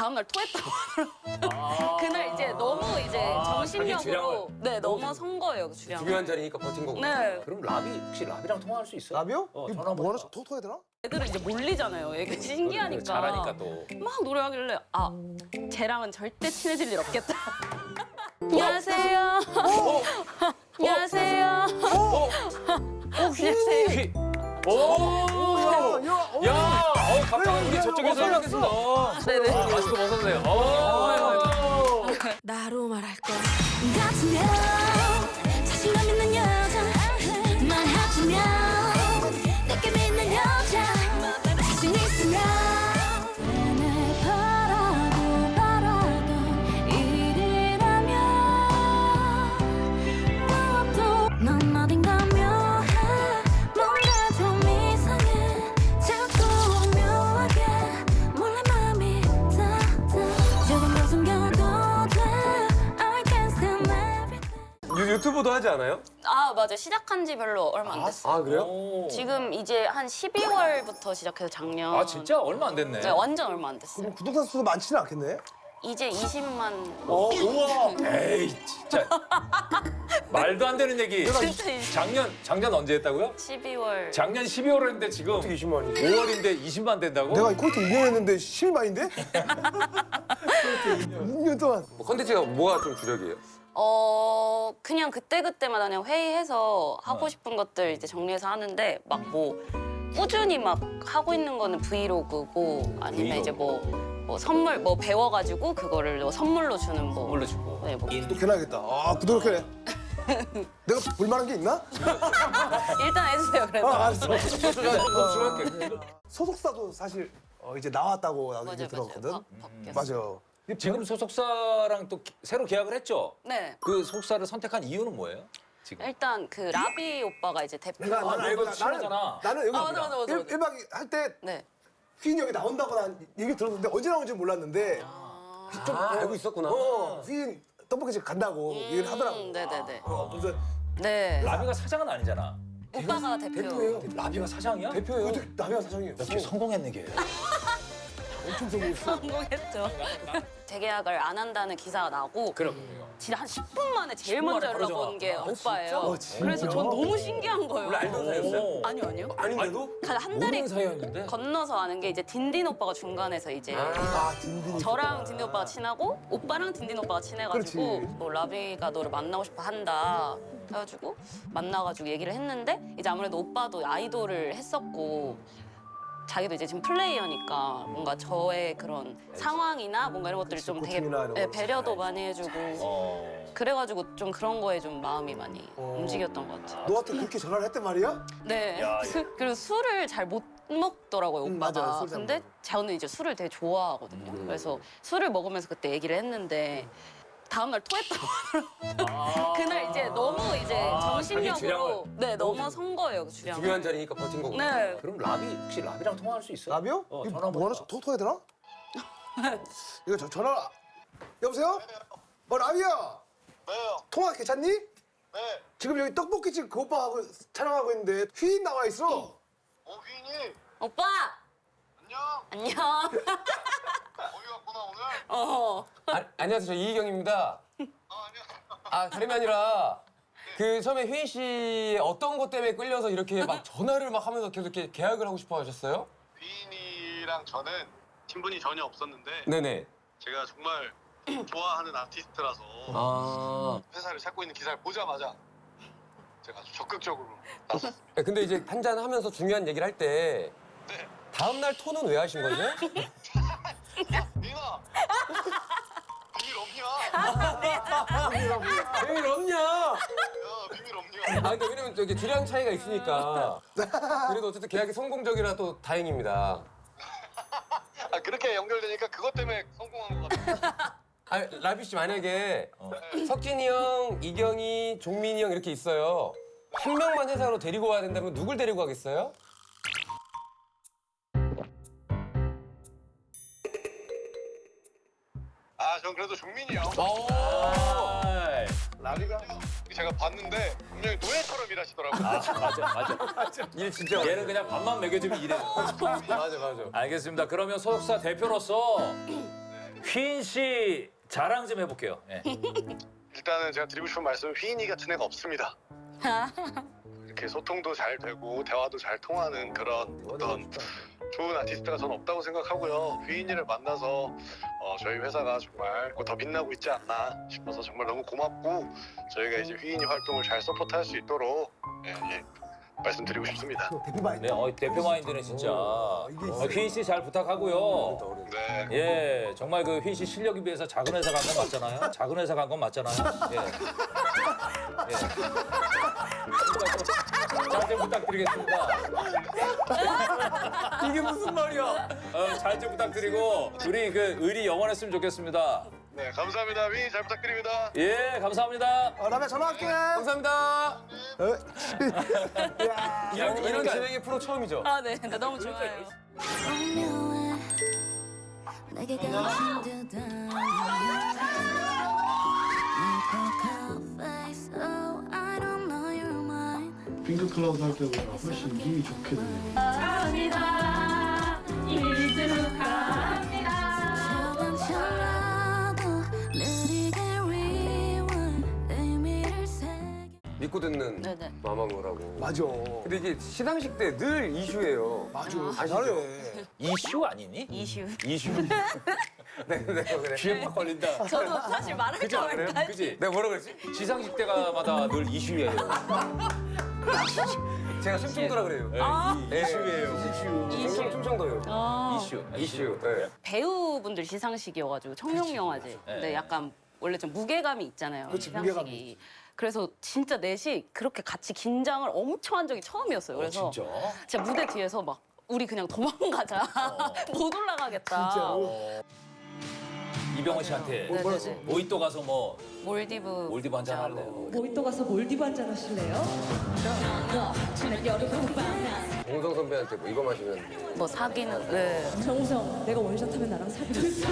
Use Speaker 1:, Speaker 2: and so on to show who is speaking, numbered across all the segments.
Speaker 1: 다음날 토했다고 하더라고요. 그날 이제 너무 이제 정신력으로 네 넘어선 거예요, 그 주량을.
Speaker 2: 중요한 자리니까 버틴 거고.
Speaker 1: 네.
Speaker 3: 그럼 라비 혹시 라비랑 통화할 수 있어?
Speaker 4: 라비오?
Speaker 3: 전화
Speaker 4: 이거
Speaker 3: 한번
Speaker 4: 뭐 하나
Speaker 3: 해봐.
Speaker 4: 토토해야 되나?
Speaker 1: 애들은 이제 몰리잖아요. 애가 신기하니까.
Speaker 3: 잘하니까 또.
Speaker 1: 막 노래하길래 아 쟤랑은 절대 친해질 일 없겠다. 안녕하세요. 안녕하세요. 안녕하세요.
Speaker 3: 오! 야! 갑자기 우리 저쪽에서 연락했습니다.
Speaker 1: 네네.
Speaker 3: 마스크 벗었네요.
Speaker 5: 나로 말할 것 같으면 자신감 있는 여자 말하자면 내게 믿는 여자 자신 있으면 날 바라던 일이라면 무엇도 넌 어딘가며 뭔가 좀 이상해 자꾸 묘하게 몰래 맘이 닿아 조금 더 숨겨도 돼 I can stand everything
Speaker 2: 유튜브도 하지 않아요?
Speaker 1: 아 맞아 시작한 지 별로 얼마 안 됐어요.
Speaker 2: 아 그래요?
Speaker 3: 오.
Speaker 1: 지금 이제 한 12월부터 시작해서 작년.
Speaker 3: 아 진짜 얼마 안 됐네.
Speaker 1: 네, 완전 얼마 안 됐어요.
Speaker 4: 그럼 구독자 수도 많지는 않겠네?
Speaker 1: 이제 20만.
Speaker 3: 우와. 에이 진짜 말도 안 되는 얘기.
Speaker 1: 진짜 20.
Speaker 3: 작년 언제 했다고요?
Speaker 1: 12월.
Speaker 3: 작년 12월 했는데 지금
Speaker 2: 어떻게 20만이지?
Speaker 3: 5월인데 20만 된다고?
Speaker 4: 내가 이 콘트 2년 했는데 12만인데? 6년 동안.
Speaker 2: 뭐 컨텐츠가 뭐가 좀 주력이에요?
Speaker 1: 그냥 그때그때마다 그냥 회의해서 하고 싶은 것들 이제 정리해서 하는데 막 뭐 꾸준히 막 하고 있는 거는 브이로그고 아니면 이제 뭐 선물 뭐 배워가지고 그거를 뭐 선물로 주는 뭐.
Speaker 3: 선물로 주고.
Speaker 1: 네, 뭐.
Speaker 4: 구독해놔야겠다. 아, 구독해놔. 내가 볼만한 게 있나?
Speaker 1: 일단 해주세요 그래도.
Speaker 4: 알았어.
Speaker 2: 수고할게.
Speaker 4: 소속사도 사실 이제 나왔다고 나도 얘기
Speaker 1: 맞아요,
Speaker 4: 들었거든.
Speaker 1: 바뀌었어요.
Speaker 4: 맞아.
Speaker 3: 지금 소속사랑 또 새로 계약을 했죠?
Speaker 1: 네.
Speaker 3: 그 소속사를 선택한 이유는 뭐예요? 지금?
Speaker 1: 일단 그 라비 오빠가 이제 대표.
Speaker 4: 내가
Speaker 3: 아,
Speaker 4: 알고
Speaker 3: 너도 친하잖아.
Speaker 4: 나는 여기
Speaker 1: 맞아.
Speaker 4: 1박 할 때
Speaker 1: 네.
Speaker 4: 휘인 형이 나온다고 난 얘기 들었는데 언제 나온지 몰랐는데 좀
Speaker 2: 알고 있었구나.
Speaker 4: 휘인 떡볶이집 간다고 얘기를 하더라고.
Speaker 1: 네네네.
Speaker 4: 그래서
Speaker 1: 네.
Speaker 3: 라비가 사장은 아니잖아.
Speaker 1: 오빠가 대표.
Speaker 3: 라비가 사장이야?
Speaker 2: 대표예요.
Speaker 4: 어떻게 남이가 사장이에요?
Speaker 3: 되게 성공했네 걔.
Speaker 4: 엄청 성공했어.
Speaker 1: 성공했죠. 재계약을 안 한다는 기사가 나고
Speaker 3: 그럼.
Speaker 1: 진짜 한 10분 만에 제일
Speaker 3: 10분
Speaker 1: 먼저
Speaker 3: 만에
Speaker 1: 연락
Speaker 3: 바로
Speaker 1: 온 게
Speaker 3: 전화.
Speaker 1: 오빠예요.
Speaker 4: 진짜?
Speaker 1: 그래서 전 너무 신기한 거예요.
Speaker 2: 원래 알던 사이였어요?
Speaker 1: 아니요.
Speaker 4: 아닌데도?
Speaker 1: 한 달이
Speaker 3: 모르는 사이였는데?
Speaker 1: 건너서 아는 게 이제 딘딘 오빠가 중간에서 이제
Speaker 4: 아, 딘딘이.
Speaker 1: 저랑 딘딘 오빠가 친하고 오빠랑 딘딘 오빠가 친해가지고
Speaker 4: 그렇지.
Speaker 1: 뭐 라비가 너를 만나고 싶어 한다 해가지고 만나가지고 얘기를 했는데 이제 아무래도 오빠도 아이돌을 했었고 자기도 이제 지금 플레이어니까 뭔가 저의 그런 상황이나 뭔가 이런 것들을 좀 되게
Speaker 4: 고충이나 이런 거
Speaker 1: 배려도 많이 해주고 그래가지고 좀 그런 거에 좀 마음이 많이 움직였던 것 같아요.
Speaker 4: 너한테 그렇게 전화를 했단 말이야?
Speaker 1: 네.
Speaker 3: 야,
Speaker 1: 그리고 술을 잘 못 먹더라고요, 오빠가.
Speaker 4: 맞아요, 술잘
Speaker 1: 근데
Speaker 4: 먹어요.
Speaker 1: 저는 이제 술을 되게 좋아하거든요. 그래서 술을 먹으면서 그때 얘기를 했는데 다음날 토했다고 하더라고요. 그날 이제 너무 이제 정신력으로
Speaker 3: 주량을.
Speaker 1: 네, 넘어선 거예요, 그 주량을.
Speaker 2: 중요한 자리니까 버틴 거고.
Speaker 1: 네.
Speaker 3: 그럼 라비 혹시 라비랑 통화할 수 있어?
Speaker 4: 라비오?
Speaker 3: 전화
Speaker 4: 이거
Speaker 3: 한번
Speaker 4: 뭐 하나
Speaker 3: 해봐.
Speaker 4: 토토해야 되나? 이거 전화. 여보세요? 라비야.
Speaker 6: 네요.
Speaker 4: 통화 괜찮니?
Speaker 6: 네.
Speaker 4: 지금 여기 떡볶이집 그 오빠하고 촬영하고 있는데 휘인 나와 있어.
Speaker 6: 오휘인이
Speaker 1: 오빠!
Speaker 6: 안녕.
Speaker 1: 안녕.
Speaker 6: 어디 갔구나 오늘?
Speaker 2: 안녕하세요. 저 이희경입니다.
Speaker 6: 안녕.
Speaker 2: 아 다름이 아니라 그 처음에 휘인 씨 어떤 것 때문에 끌려서 이렇게 막 전화를 막 하면서 계속 이렇게 계약을 하고 싶어 하셨어요?
Speaker 6: 휘인이랑 저는 친분이 전혀 없었는데
Speaker 2: 네네.
Speaker 6: 제가 정말 좋아하는 아티스트라서
Speaker 2: 아.
Speaker 6: 회사를 찾고 있는 기사를 보자마자 제가 아주 적극적으로 나섰습니다.
Speaker 2: 근데 이제 한잔 하면서 중요한 얘기를 할 때
Speaker 6: 네.
Speaker 2: 다음 날 토는 왜 하신 거죠?
Speaker 6: 니나 비밀 없냐?
Speaker 2: 비밀 없냐?
Speaker 6: 야 비밀 없냐?
Speaker 2: 아 근데 왜냐면 저기 주량 차이가 있으니까. 그래도 어쨌든 계약이 성공적이라 또 다행입니다.
Speaker 6: 아 그렇게 연결되니까 그것 때문에 성공한 것 같아요.
Speaker 2: 아 라비 씨 만약에 석진이 형, 이경이, 종민이 형 이렇게 있어요. 한 명만 회사로 데리고 와야 된다면 누굴 데리고 가겠어요?
Speaker 6: 아 전 그래도 종민이 형.
Speaker 3: 아이.
Speaker 4: 라비가?
Speaker 6: 제가 봤는데 분명히 노예처럼 일하시더라고요.
Speaker 3: 맞아.
Speaker 2: 일 진짜
Speaker 3: 얘는 그냥 밥만 먹여주면 이래.
Speaker 2: 맞아.
Speaker 3: 알겠습니다. 그러면 소속사 대표로서 휘인 씨 자랑 좀 해볼게요. 예.
Speaker 6: 일단은 제가 드리고 싶은 말씀은 휘인이 같은 애가 없습니다. 이렇게 소통도 잘 되고 대화도 잘 통하는 그런 어떤 좋은 아티스트가 저는 없다고 생각하고요. 휘인이를 만나서 저희 회사가 정말 더 빛나고 있지 않나 싶어서 정말 너무 고맙고 저희가 이제 휘인이 활동을 잘 서포트할 수 있도록 말씀드리고 싶습니다.
Speaker 4: 대표 마인드.
Speaker 3: 네, 대표 마인드는 진짜. 휘인 씨 잘 부탁하고요.
Speaker 6: 네.
Speaker 3: 예, 정말 그 휘인 씨 실력에 비해서 작은 회사 간 건 맞잖아요. 작은 회사 간 건 맞잖아요. 예. 예. 잘 좀 부탁드리겠습니다. 이게 무슨 말이야? 잘 좀 부탁드리고 우리 그 의리 영원했으면 좋겠습니다.
Speaker 6: 네, 감사합니다. 휘인 잘 부탁드립니다.
Speaker 3: 예, 감사합니다.
Speaker 4: 라면 전화할게.
Speaker 2: 감사합니다.
Speaker 4: 야.
Speaker 2: 이런 진행의 프로 처음이죠?
Speaker 1: 아, 네. 나 너무 좋아요.
Speaker 5: 오묘해 내게 가신 듯한 face oh I don't know your mind
Speaker 7: 핑크 클라우드 할 때보다 훨씬 힘이 좋게 되네요.
Speaker 5: 조금씩라도 느리게 rewind 의미를 새겨
Speaker 2: 믿고 듣는
Speaker 1: 네네.
Speaker 2: 마마무라고.
Speaker 4: 맞아.
Speaker 2: 근데 이게 시상식 때 늘 이슈예요.
Speaker 4: 맞아.
Speaker 2: 아시죠?
Speaker 4: 잘해.
Speaker 3: 이슈 아니니?
Speaker 1: 이슈.
Speaker 3: 이슈.
Speaker 2: 네, 그래.
Speaker 3: 귀에 팍 걸린다.
Speaker 1: 저도 사실 말할까 말까.
Speaker 3: 그지?
Speaker 2: 내가 뭐라 그랬지?
Speaker 3: 시상식 때마다 늘 이슈예요.
Speaker 2: 제가 충청도라 그래요.
Speaker 3: 이슈예요.
Speaker 2: 이슈. 충청도요.
Speaker 3: 이슈.
Speaker 2: 이슈. 네.
Speaker 1: 배우분들 시상식이어가지고 청룡영화제. 근데 약간 원래 좀 무게감이 있잖아요.
Speaker 4: 그치,
Speaker 1: 시상식이.
Speaker 4: 무게감이
Speaker 1: 그래서 진짜 넷이 그렇게 같이 긴장을 엄청 한 적이 처음이었어요. 그래서
Speaker 3: 진짜?
Speaker 1: 진짜 무대 뒤에서 막 우리 그냥 도망가자. 못 올라가겠다.
Speaker 4: 진짜로?
Speaker 3: 이병헌 씨한테
Speaker 1: 네네네.
Speaker 3: 모히또 가서 뭐
Speaker 1: 몰디브.
Speaker 3: 몰디브 한잔 할래요.
Speaker 8: 모히또 가서 몰디브 한잔 하실래요?
Speaker 2: 공성 선배한테 뭐 이거 마시면
Speaker 1: 뭐 사귀는. 네.
Speaker 8: 정우성, 내가 원샷하면 나랑 사귀자.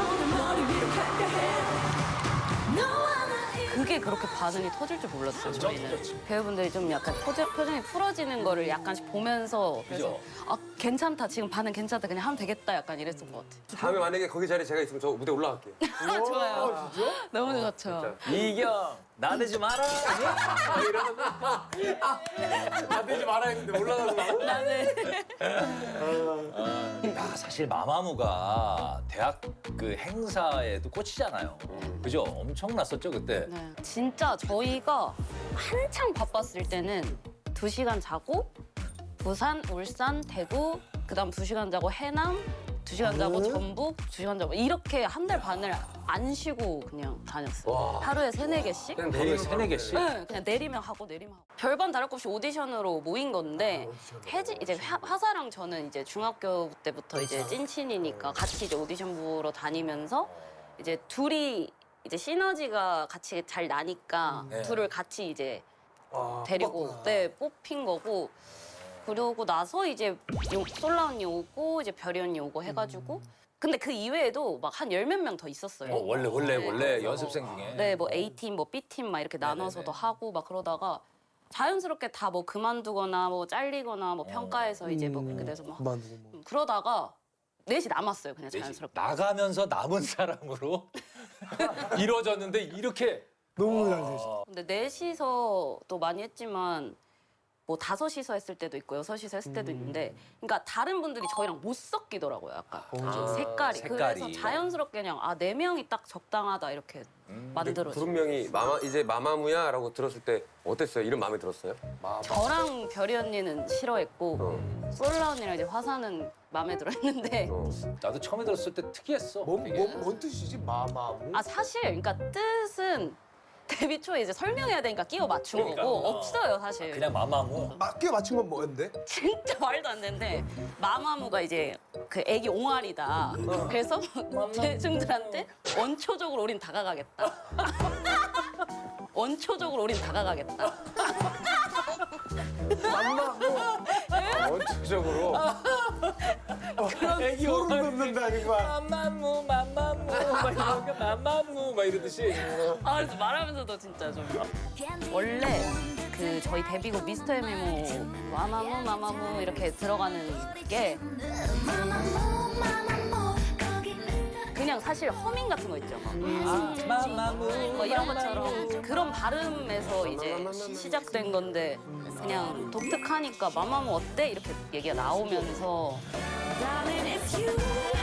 Speaker 1: 그게 그렇게 반응이 터질 줄 몰랐어요, 저희는. 배우분들이 좀 약간 표정이 풀어지는 거를 약간씩 보면서 그래서 아, 괜찮다, 지금 반응 괜찮다, 그냥 하면 되겠다 약간 이랬던 것 같아요.
Speaker 2: 다음에 만약에 거기 자리에 제가 있으면 저 무대 올라갈게요.
Speaker 1: 좋아요. 너무 좋죠.
Speaker 3: 이경 나대지 마라. 이러는 거. 나대지 마라 했는데 올라가서
Speaker 1: 나는.
Speaker 3: 야, 사실 마마무가 대학 그 행사에도 꽂히잖아요. 그죠? 엄청났었죠 그때.
Speaker 1: 네. 진짜 저희가 한창 바빴을 때는 2시간 자고 부산, 울산, 대구, 그다음 2시간 자고 해남, 2시간 자고 전북, 2시간 자고 이렇게 한 달 반을 안 쉬고 그냥 다녔어요.
Speaker 2: 와.
Speaker 1: 하루에 3-4개씩?
Speaker 2: 그냥
Speaker 3: 하루에
Speaker 2: 내리면
Speaker 3: 3-4개씩?
Speaker 1: 네, 그냥 내리면 하고 내리면 하고. 별반 다를 것 없이 오디션으로 모인 건데 이제 화사랑 저는 이제 중학교 때부터 이제 찐친이니까 같이 이제 오디션 보러 다니면서 이제 둘이 이제 시너지가 같이 잘 나니까
Speaker 3: 네.
Speaker 1: 둘을 같이 이제
Speaker 4: 아,
Speaker 1: 데리고
Speaker 4: 뽑았구나.
Speaker 1: 뽑힌 거고 그러고 나서 이제 솔라 언니 오고 이제 별이 언니 오고 해가지고 근데 그 이외에도 막 한 10몇 명 더 있었어요.
Speaker 3: 원래 연습생 중에.
Speaker 1: 네, 뭐 A팀, 뭐 B팀 막 이렇게 나눠서도 하고 막 그러다가 자연스럽게 다 뭐 그만두거나 뭐 잘리거나 뭐 평가해서 이제 뭐 그렇게 돼서 막
Speaker 4: 그만두고 뭐.
Speaker 1: 그러다가 넷이 남았어요, 그냥 자연스럽게.
Speaker 3: 나가면서 남은 사람으로 이루어졌는데 이렇게
Speaker 4: 너무 잘 되죠.
Speaker 1: 근데 넷이서 또 많이 했지만 뭐 5이서 했을 때도 있고 6이서 했을 때도 있는데 그러니까 다른 분들이 저희랑 못 섞이더라고요, 약간. 색깔이.
Speaker 3: 색깔이.
Speaker 1: 그래서 자연스럽게 그냥 아, 4명이 딱 적당하다 이렇게 만들어졌어요.
Speaker 2: 부른명이 이제 마마무야라고 들었을 때 어땠어요? 이름 마음에 들었어요?
Speaker 1: 저랑 별이 언니는 싫어했고 솔라 언니랑 이제 화사는 마음에 들어했는데
Speaker 3: 나도 처음에 들었을 때 특이했어. 되게.
Speaker 4: 뭔 뜻이지? 마마무?
Speaker 1: 아 사실 그러니까 뜻은 데뷔 초에 이제 설명해야 되니까 끼워 맞춘 거고 없어요 사실.
Speaker 3: 그냥 마마무.
Speaker 4: 맞게 맞춘 건 뭐였는데?
Speaker 1: 진짜 말도 안 되는데 마마무가 이제 그 애기 옹알이다. 그래서 대중들한테 원초적으로 우린 다가가겠다. 원초적으로 우린 다가가겠다.
Speaker 2: 원초적으로.
Speaker 3: 애기
Speaker 4: 소름 돋는다니까.
Speaker 3: 마마무 막 이런 거 마마무 막 이러듯이.
Speaker 1: 아 그래서 말하면서도 진짜 좀 원래 그 저희 데뷔곡 미스터 에메모 마마무 이렇게 들어가는 게 그냥 사실 허밍 같은 거 있죠. 막.
Speaker 3: 마마무
Speaker 1: 뭐 이런 것처럼 그런 발음에서 이제 시작된 건데 그냥 독특하니까 마마무 어때? 이렇게 얘기가 나오면서
Speaker 5: Darling, it's you.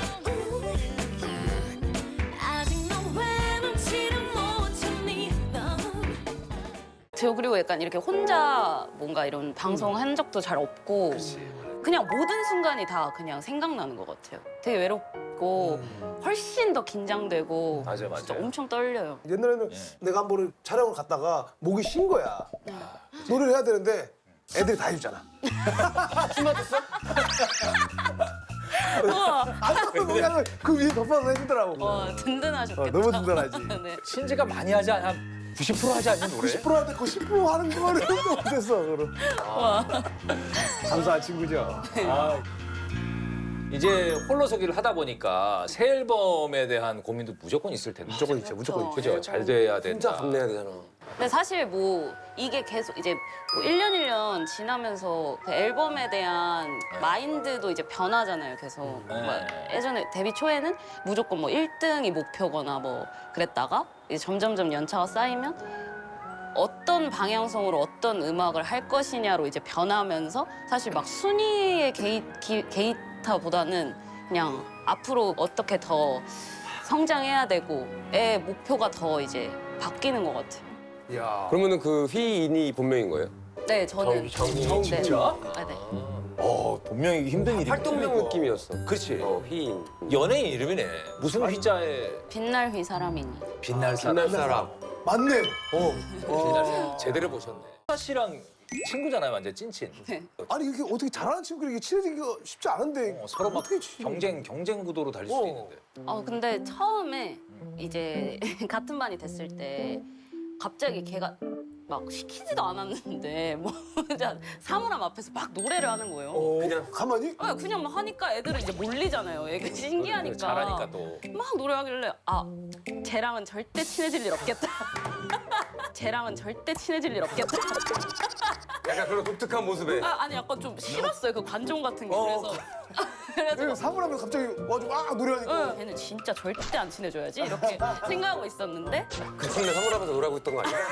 Speaker 5: 아직 너 외롭지를 못했니 너.
Speaker 1: 저 그리고 약간 이렇게 혼자 뭔가 이런 방송 한 적도 잘 없고 그냥 모든 순간이 다 그냥 생각나는 것 같아요. 되게 외롭고 훨씬 더 긴장되고
Speaker 3: 맞아요,
Speaker 1: 진짜
Speaker 3: 맞아요.
Speaker 1: 엄청 떨려요.
Speaker 4: 옛날에는 내가 한 번을 촬영을 갔다가 목이 쉰 거야. 노래를 해야 되는데 애들이 다 해주잖아.
Speaker 2: 술 맞았어?
Speaker 4: 아무것도 그냥 그 위에 덮어서 해주더라고.
Speaker 1: 와 든든하셨겠다.
Speaker 4: 너무 든든하지.
Speaker 1: 네.
Speaker 3: 신지가 많이 하지 않아? 90% 하지 않니 노래?
Speaker 4: 10% 하는데 그 10% 하는 거를 또 못했어. 그럼. 감사한 친구죠.
Speaker 3: 아, 이제 홀로서기를 하다 보니까 새 앨범에 대한 고민도 무조건 있을 텐데.
Speaker 4: 무조건 있죠. 무조건 있죠.
Speaker 3: 그죠? 잘 돼야 된다.
Speaker 2: 혼자 감내야 되잖아.
Speaker 1: 근데 사실 뭐 이게 계속 이제 뭐 1년 1년 지나면서 그 앨범에 대한 마인드도 이제 변하잖아요. 계속
Speaker 3: 네.
Speaker 1: 뭐 예전에 데뷔 초에는 무조건 뭐 1등이 목표거나 뭐 그랬다가 이제 점점점 연차가 쌓이면 어떤 방향성으로 어떤 음악을 할 것이냐로 이제 변하면서 사실 막 순위의 게이타보다는 그냥 앞으로 어떻게 더 성장해야 되고의 목표가 더 이제 바뀌는 것 같아요.
Speaker 2: 그러면은 그 휘인이 본명인 거예요?
Speaker 1: 네, 저는
Speaker 2: 정
Speaker 1: 네.
Speaker 3: 진짜?
Speaker 1: 아, 네.
Speaker 3: 본명이 힘든 일이
Speaker 2: 활동명 느낌이었어.
Speaker 3: 그렇지.
Speaker 2: 휘인.
Speaker 3: 연예인 이름이네. 무슨 휘자에
Speaker 1: 빛날 휘 사람이니.
Speaker 3: 빛날 사람.
Speaker 2: 빛날 사람.
Speaker 4: 맞네.
Speaker 3: 빛날 사람. 제대로 보셨네. 화 씨랑 친구잖아요, 완전 찐친.
Speaker 4: 아니 이게 어떻게 잘하는 친구들이 친해지기가 쉽지 않은데
Speaker 3: 서로 막
Speaker 4: 어떻게 치-
Speaker 3: 경쟁 구도로 달릴 수도 있는데.
Speaker 1: 근데 처음에 이제 같은 반이 됐을 때 갑자기 걔가 막 시키지도 않았는데 뭐 진짜 사물함 앞에서 막 노래를 하는 거예요.
Speaker 4: 그냥 가만히?
Speaker 1: 그냥 막 하니까 애들은 이제 몰리잖아요. 애가 신기하니까.
Speaker 3: 잘하니까 또.
Speaker 1: 막 노래하길래 쟤랑은 절대 친해질 일 없겠다. 쟤랑은 절대 친해질 일 없겠다.
Speaker 2: 약간 그런 독특한 모습에.
Speaker 1: 아니 약간 좀 싫었어요. 그 관종 같은 게. 그래서 그래가지고
Speaker 4: 사물하면 갑자기 와가지고 막 노래하니까.
Speaker 1: 걔는 진짜 절대 안 친해져야지 이렇게 생각하고 있었는데
Speaker 2: 그 친구네 사물함에서 노래하고 있던 거 아니야?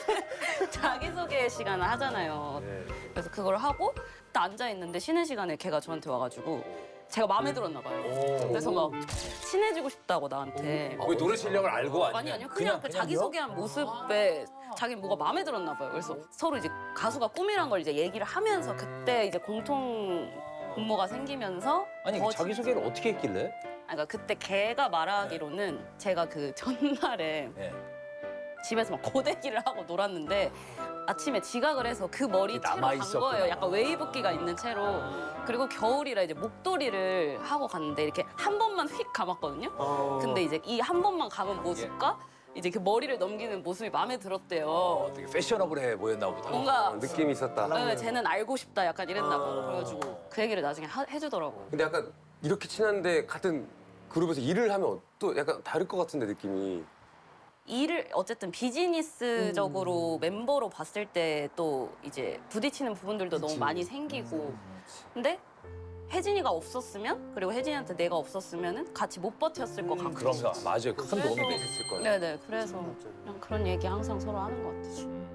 Speaker 1: 자기소개 시간을 하잖아요. 그래서 그걸 하고 딱 앉아있는데 쉬는 시간에 걔가 저한테 와가지고 제가 마음에 들었나 봐요. 그래서 막 친해지고 싶다고 나한테.
Speaker 3: 왜 노래 실력을 알고
Speaker 1: 아니 아니요. 그냥 그 자기소개한 모습에 자기 뭐가 마음에 들었나 봐요. 그래서 서로 이제 가수가 꿈이란 걸 이제 얘기를 하면서 그때 이제 공통 분모가 생기면서
Speaker 3: 아니
Speaker 1: 더
Speaker 3: 자기소개를 어떻게 했길래?
Speaker 1: 그러니까 그때 걔가 말하기로는 제가 그 전날에
Speaker 3: 네.
Speaker 1: 집에서 막 고데기를 하고 놀았는데 아침에 지각을 해서 그 머리 채로
Speaker 3: 남아
Speaker 1: 간
Speaker 3: 있었구나.
Speaker 1: 거예요. 약간 웨이브기가 있는 채로. 그리고 겨울이라 이제 목도리를 하고 갔는데 이렇게 한 번만 휙 감았거든요. 근데 이제 이 한 번만 감은 모습과 이제 그 머리를 넘기는 모습이 마음에 들었대요.
Speaker 3: 되게 패셔너블해 보였나 보다.
Speaker 1: 뭔가
Speaker 2: 느낌이 있었다.
Speaker 1: 쟤는 알고 싶다 약간 이랬나 봐. 그래가지고 그 얘기를 나중에 해주더라고요.
Speaker 2: 근데 약간 이렇게 친한데 같은 그룹에서 일을 하면 또 약간 다를 것 같은데 느낌이.
Speaker 1: 일을 어쨌든 비즈니스적으로 멤버로 봤을 때 또 이제 부딪히는 부분들도 너무 많이 생기고 근데 혜진이가 없었으면 그리고 혜진이한테 내가 없었으면은 같이 못 버텼을 것 같고
Speaker 3: 그런가 맞아요. 큰 도움이 됐을 거예요.
Speaker 1: 네네 그래서 그냥 그런 얘기 항상 서로 하는 것 같아요.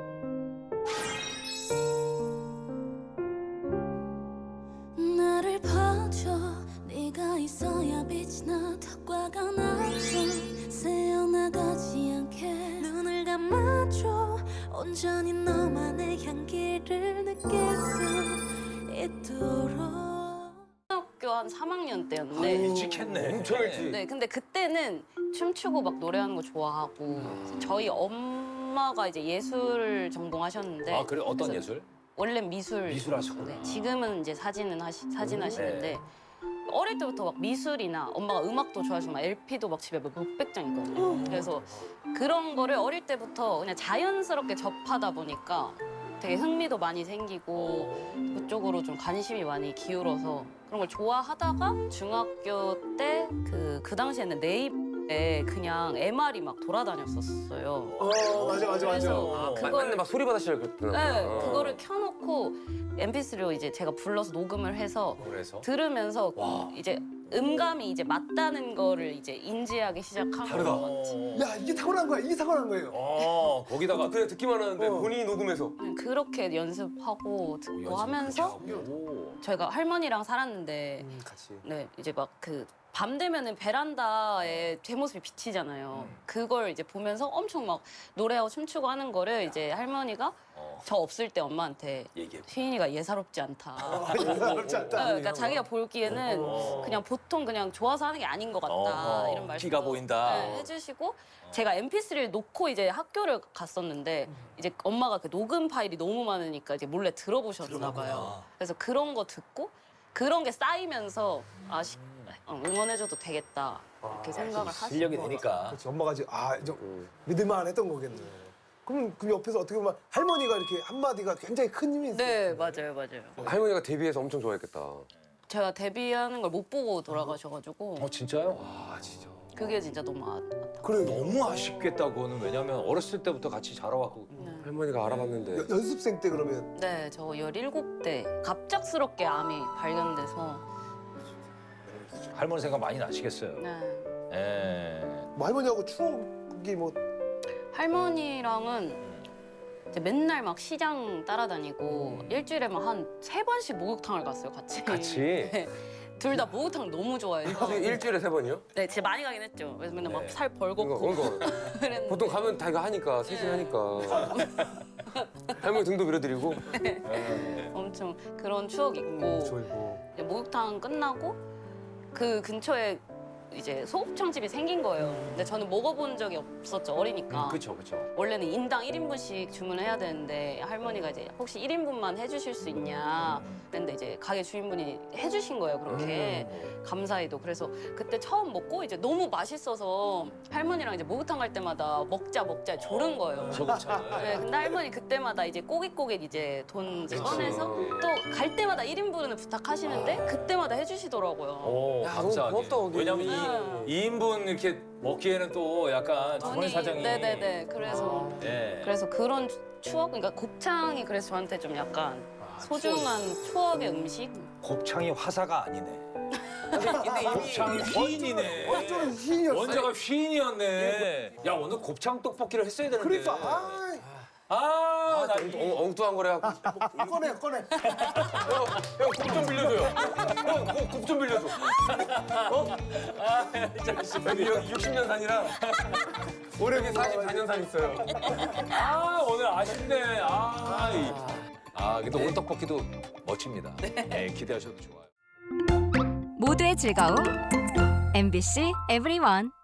Speaker 5: 나를 봐줘 네가 있어야 빛이 나 턱과가 나죠 새어나가지 않게 눈을 감아줘 온전히 너만의 향기를 느낄 수 있도록
Speaker 1: 학교 한 3학년 때였는데
Speaker 3: 일찍 했네.
Speaker 2: 엄청 일찍.
Speaker 1: 네 근데 그때는 춤추고 막 노래하는 거 좋아하고 저희 엄마가 이제 예술 전공하셨는데
Speaker 3: 아 그래 어떤
Speaker 1: 그래서
Speaker 3: 예술?
Speaker 1: 원래 미술
Speaker 3: 미술하셨구나.
Speaker 1: 네, 지금은 이제 사진 하시는데 어릴 때부터 막 미술이나 엄마가 음악도 좋아하시고 막 LP도 막 집에 막 몇백 장 있거든요. 그래서 그런 거를 어릴 때부터 그냥 자연스럽게 접하다 보니까 되게 흥미도 많이 생기고 그쪽으로 좀 관심이 많이 기울어서 그런 걸 좋아하다가 중학교 때 그 당시에는 네이버에 그냥 MR이 막 돌아다녔었어요.
Speaker 4: 맞아.
Speaker 1: 그래서
Speaker 2: 맞네, 막 소리 받으시려 그랬구나.
Speaker 1: 네, 그거를 켜놓고 MP3로 이제 제가 불러서 녹음을 해서
Speaker 3: 그래서
Speaker 1: 들으면서 이제 음감이 이제 맞다는 거를 이제 인지하기 시작한 것 같아요.
Speaker 4: 야 이게 타고난 거야. 이게 타고난 거예요.
Speaker 3: 거기다가
Speaker 2: 그냥 듣기만 하는데 본인이 녹음해서.
Speaker 1: 그렇게 연습하고 듣고 하면서
Speaker 3: 오.
Speaker 1: 저희가 할머니랑 살았는데
Speaker 4: 같이.
Speaker 1: 네 이제 막 그 밤 되면은 베란다에 제 모습이 비치잖아요. 그걸 이제 보면서 엄청 막 노래하고 춤추고 하는 거를 이제 할머니가 저 없을 때 엄마한테
Speaker 3: 얘기해.
Speaker 1: 휘인이가 예사롭지 않다.
Speaker 4: 그렇지 않다.
Speaker 1: 그러니까 자기가 보기에는 그냥 보통 그냥 좋아서 하는 게 아닌 것 같다 이런 말씀
Speaker 3: 피가 보인다.
Speaker 1: 해주시고 제가 MP3를 놓고 이제 학교를 갔었는데 이제 엄마가 그 녹음 파일이 너무 많으니까 이제 몰래 들어보셨나 봐요. 그래서 그런 거 듣고 그런 게 쌓이면서 응원해줘도 되겠다 이렇게 생각을 하시고
Speaker 3: 실력이 되니까.
Speaker 4: 그렇지. 엄마가 지금 이제 믿을만 했던 거겠네. 그럼 옆에서 어떻게 보면 할머니가 이렇게 한마디가 굉장히 큰 힘이 있어요.
Speaker 1: 네 맞아요.
Speaker 2: 할머니가 데뷔해서 엄청 좋아했겠다.
Speaker 1: 제가 데뷔하는 걸 못 보고 돌아가셔가지고
Speaker 3: 진짜요?
Speaker 2: 아 진짜.
Speaker 1: 그게 진짜 너무 아팠다.
Speaker 4: 그래.
Speaker 3: 너무 아쉽겠다 그거는. 왜냐면 어렸을 때부터 같이 자라왔고.
Speaker 2: 할머니가 알아봤는데.
Speaker 4: 연습생 때 그러면
Speaker 1: 네, 저 17대 갑작스럽게 암이 발견돼서
Speaker 3: 할머니 생각 많이 나시겠어요.
Speaker 1: 네.
Speaker 3: 예.
Speaker 4: 뭐 할머니하고 추억이 뭐
Speaker 1: 할머니랑은 이제 맨날 막 시장 따라다니고 일주일에 막 한 3번씩 목욕탕을 갔어요, 같이.
Speaker 2: 같이.
Speaker 1: 둘 다 목욕탕 너무 좋아해서.
Speaker 2: 일주일에 3번이요?
Speaker 1: 네, 진짜 많이 가긴 했죠. 그래서 맨날 막 살
Speaker 2: 이거
Speaker 1: 벌겋고 그랬는데
Speaker 2: 보통 가면 다 이거 하니까 셋이 하니까. 할머니 등도 밀어드리고.
Speaker 1: 엄청 그런 추억이 있고
Speaker 4: 저이고
Speaker 1: 이제 목욕탕 끝나고 그 근처에 이제 소곱창집이 생긴 거예요. 근데 저는 먹어본 적이 없었죠, 어리니까.
Speaker 3: 그렇죠, 그렇죠.
Speaker 1: 원래는 인당 1인분씩 주문해야 되는데 할머니가 이제 혹시 1인분만 해주실 수 있냐 근데 이제 가게 주인분이 해주신 거예요, 그렇게. 감사히도. 그래서 그때 처음 먹고 이제 너무 맛있어서 할머니랑 이제 목욕탕 갈 때마다 먹자 조른 거예요.
Speaker 3: 소금차를.
Speaker 1: 네, 근데 할머니 그때마다 이제 꼬깃꼬깃 이제 돈 이제 꺼내서 또 갈 때마다 1인분을 부탁하시는데 그때마다 해주시더라고요.
Speaker 3: 오,
Speaker 2: 야,
Speaker 3: 감사하게.
Speaker 2: 너무 고맙다, 거기.
Speaker 3: 왜냐면 이 2인분 이렇게 먹기에는 또 약간 주머니 사정이.
Speaker 1: 네네네. 그래서
Speaker 3: 예.
Speaker 1: 그런 추억, 그러니까 곱창이 그래서 저한테 좀 약간 소중한 추억의 음식.
Speaker 3: 곱창이 화사가 아니네.
Speaker 2: 근데 이미
Speaker 3: 곱창이 휘인이네.
Speaker 4: 완전 희인이었어.
Speaker 3: 원자가 휘인이었네. 야, 오늘 곱창 떡볶이를 했어야 되는데.
Speaker 4: 그러니까
Speaker 3: 나
Speaker 2: 엉뚱한 거래 하고.
Speaker 4: 꺼내
Speaker 2: 형, 곱 좀 빌려줘요. 형, 곱 좀 빌려줘. 여기 60년 산이라 올해 44년 산 있어요.
Speaker 3: 오늘 아쉽네. 근데 오늘 떡볶이도 멋집니다. 네, 기대하셔도 좋아요.
Speaker 5: 모두의 즐거움 MBC EVERYONE